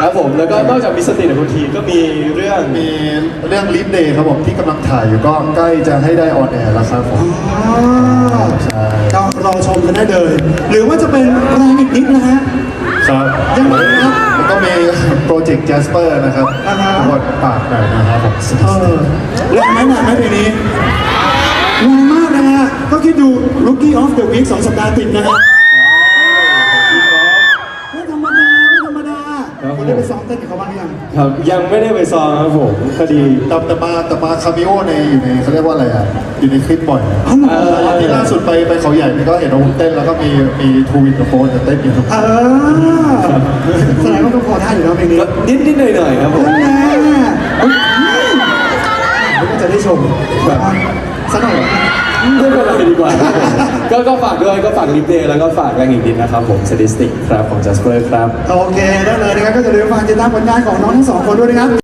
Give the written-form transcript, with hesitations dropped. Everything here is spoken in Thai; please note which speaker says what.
Speaker 1: ครับผมแล้วก็นอกจากมีสติในบางทีก็มีเรื่อง
Speaker 2: ลิฟเดย์ครับผมที่กำลังถ่ายอยู่ก็ใกล้จะให้ได้ออนแอร์แล้วครับผมใช่
Speaker 3: ก็รอชมกันได้เลย หรือว่าจะเป็นแรงอีกนิดนะฮะ
Speaker 2: ครับ
Speaker 3: ยังไงครับ
Speaker 2: แล้วก็มีโปรเจกต์ Jasper นะครับ
Speaker 3: อ่าฮะ
Speaker 2: บทปากหน่อยนะครับผม
Speaker 3: แรงไหมหนักไหมเพลงนี้แรงมากนะฮะก็คิดดู Rookie of the Week 2 สัปดาห์ติดนะฮะไม่ธรรมดาไม่ธรรมดาคุณได้ไปซ้อมเต้นกับเขาบ้างหรือยัง
Speaker 1: ครับยังไม่ได้ไปซ้อมครับผมพอดี
Speaker 2: แต่มาคาเมโออยู่ในเขาเรียกว่าอะไรอ่ะอยู่ในคลิปบ่อย
Speaker 3: อ๋อเหรอ
Speaker 2: ที่ล่าสุดไปเขาใหญ่นี่ก็เห็นเราเต้นแล้วก็มีทูวินกับโฟนเต้นอยู่
Speaker 3: แสดงว่าต้องพอได้อยู่แล้วเพลงนี้
Speaker 1: ก็นิดหน่อยครับผม
Speaker 3: นั่นแหละก็จะได้ชมแบบสักหน่อย
Speaker 1: ไม่เป็นไรดีกว่าก็ฝากด้วยก็ฝากลิฟเดย์แล้วก็ฝากแรงอีกดินนะครับผมสถิติครับของ Jasper ครับ
Speaker 3: โอเคได้เลยนะครับก็จะเรียนฟังติดตามผลงานของน้องทั้งสองคนด้วยนะครับ